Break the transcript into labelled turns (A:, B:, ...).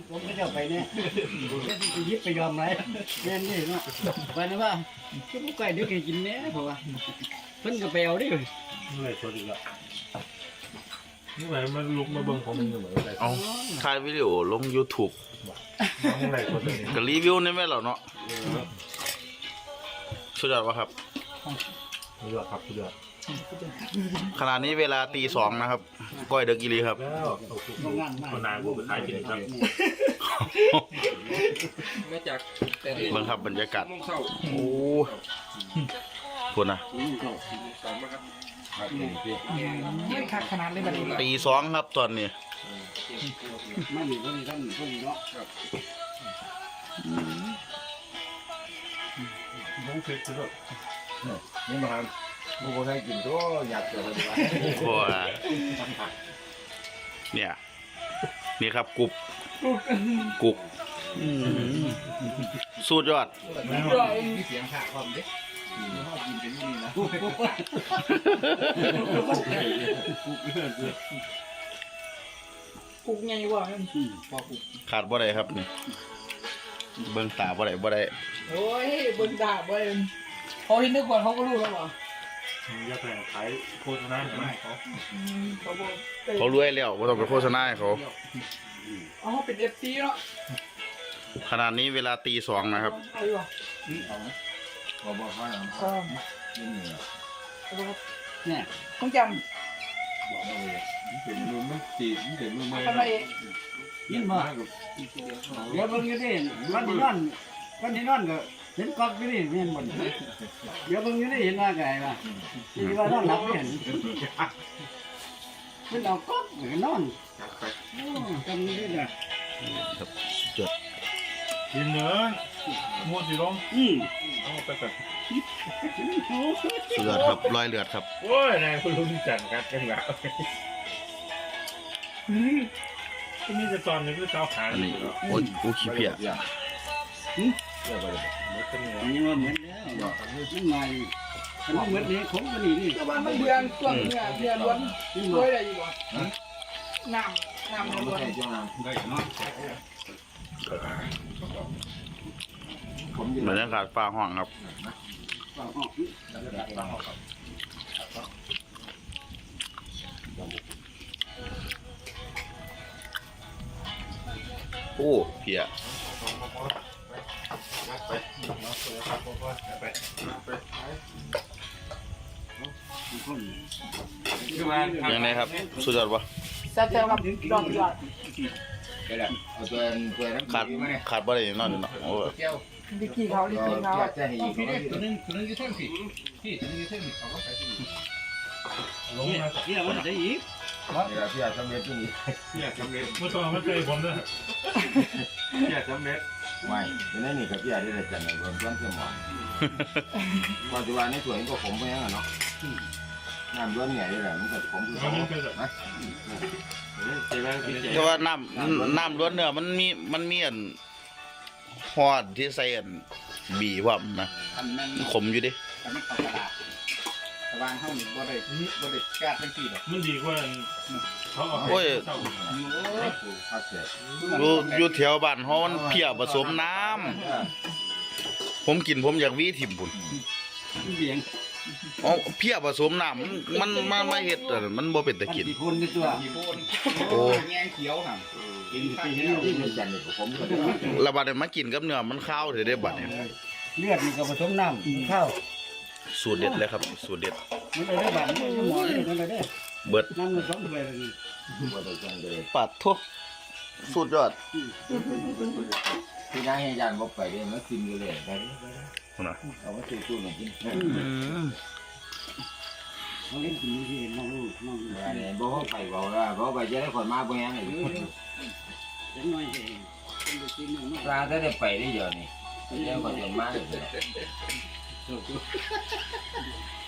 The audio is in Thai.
A: ผมก็จะไปเนี่ยก็จะยิบไปยอมไรแม่นี่เนาะวันนี้ว่าก็ไม่ไกลเดี๋ยวแกกินเนี้ยเพราะว่าเพิ่นก็ไปเอาดิ
B: นี่เลยตัวดีละนี่ไหนมันลุกมาเบิ่งผมอยู่เหมือนไร
C: เอาถ่ายวิดีโอลง YouTube
B: นี่ไรตัวนี้
C: ก็รีวิวได้ไหมเหรอเนาะสุดยอดวะครับ
B: เลือดครับเลือด
C: ขณะนี้เวลาตี 2นะครับก้อยเด็กอีหลีครับ
B: แล้วคนนานกูไปขายกินครับ
D: มาจากแต่
C: เบิ่งครับบรรยากาศ
D: โมงเช้า
C: โอ้คุณนะ
D: สองนะครับ
E: ยืดขาดขนาดเลยบัดนี้
C: ตี 2ครับตอนนี้
A: ไม่มีคนท่านคนเนาะ
B: บุ้งฟิตสุด
F: นี่มาบุกให้กินตัวอยากเจอเลยว่า
C: โอ้ยเนี่ยนี่ครับกุกสุดยอด
F: มีเสียงขาความเด็กห้องกินเป็นนี่นะ
E: ปลูกไงวะ
C: ขาดบ่ได้ครับนี่เบิ่งตาบ่ได้
E: โอ้ยบนดาบเว้ยเขาที่นึกก่อนเขาก็รู้แล้ววะ
B: ๆจะแต่งขายโฆษณาให้เขา
E: เขาบอก
C: เขารวยแล้วบ่ต้องไปโฆษณาให้เขา
E: อ๋อเป็นFC เนาะ
C: ขณะนี้เวลาตี 2นะครับ
E: อะไรวะ
F: บอกว่า
E: เออ
A: เนี่ย
E: ต้องจ
F: บอกเลยถึงมือมันตีถึงมือ
E: ำ
F: ไม่
E: ทำไม
A: ยินบ่เดี๋ยวเบิ่งอยู่ดิวันที่นอนก็เห็นกอกอยู่ดิแม่นบ่เดี๋ยวเบิ่งอยู่ดิเห็นว่าไงว่าที่ว่านอนหลับเห็นเพิ่นเอากอกก็นอนจำนี่ได้
B: กินเนื้อม้วนสีลงเอาไปก่อน
C: สุดยอดครับรอยเลือดครับ
B: โอ้ยนายคุณลุงจันทร์ครับยังหนาวที่นี่จะตอนนี้คือเจ้าขา
C: อันนี้โอ้ยกูขี้เพี้ย
F: เดี๋ยวไป
B: มันเป็นยังไง
A: อันนี้ว่าเหมือนแล้วมันหน่อยมันเหมือนนี้ผมก็นี่
E: แต่ว่ามันเดือนช่วงเนี่ยเดือนล้วนรวยได้อยู่วะน้ำล้วน
F: ใช่ช่วงนั้นได้เนาะผม
C: บรรยากาศฟ้าห้องครับโอ้เพี้ย ยังไงครับ สุดยอดวะ
E: แซ่บๆครับดอกยอด
F: ก็ได้เอาตัวน้ำ
C: ขาด
F: มาเนี่ย
C: ขาดบ่ได้นอนอยู่เนาะโอ้ย
F: แก้ว
E: ดิกี้เขาดิกี้เขา
F: จะให้อีก
D: ตัวนึงยืดเส้นสิพี่ตัวนึงยืดเส้นสิเขาก็ใส่ที่
B: ลงมา
A: เนี่ยมันได้อีก
F: เดี๋ยวพี่อาจจะเม็ดตัวนี้
B: เนี่ยสำเร็จเมื่อตอนมันเคยผมด้วยเนี่ยสำเร็จ
F: ไม่เดี๋ยวนี้กับพี่อาจจะจัดในรวมต้นเสมอปัจจุบันในสวนก็ผมไปแล้วเนาะน้ำล้วนเนี่ยนี่แหละมันก็ผมคือ
B: มันเป็นแบบ
F: นะ
C: แต่ว่าน้ำล้วนเนื้อมันมีอันฮอดที่ใส่อันบีพร้อมนะ
D: อันนั้น
C: ขมอยู่ดิ
D: อันนั้นเขาตลาดตะวันเท่านี้บ่ได้กาดทั้งสี่หรอก
B: มันดีกว่าเขาเอา
C: โอ้ย
F: พักเสร็จ
C: อยู่แถวบ้านเฮามันเพี้ยผสมน้ำผมกินผมอยากวีถิ่มพุ่น
A: เบียง
C: อ๋อเพี้ยผสมน้ำมันมาเฮ็ดอันมันบ่เป็นตะกิน
A: กี่คนในตัว
D: มีโบน
C: โอ้
D: แงงเขียวห่าง
A: กินปี
F: ที่
A: นี้
F: นี่ที่จันเนี่ยผมก็
C: แล้วบัดนี้มากินกับเนื้อมันข้าวเด้บัดนี้
A: เลือดมันก็ผสมน้ำข้าว
C: สูตรเด็ดเลยครับสูตรเด็ด
A: มันเลยได้บาดมันหมอเลยมันเลยได้
C: เบิด
A: น้ำมันสองถ้วยเลย
F: ว่าแต่จันเลย
C: ปัดทุสุดยอด
F: ที่นั่งให้ยันบอกไปเลยมันกินอยู่เลยไป
C: พุ่นน่ะ
F: เอามาซื้อตู้หน่อยกิน
A: เขาเล่นกินที่น้องลูกน้อง
F: เนี่ยบอกไปบอกว่าบอกไปจะได้คนมาบ่ยังไง
A: เล็กน้อยเองเป็นกินน้อง
F: ปลาได้ไปได้เยอะนี่เดี๋ยวก็จะมาเลย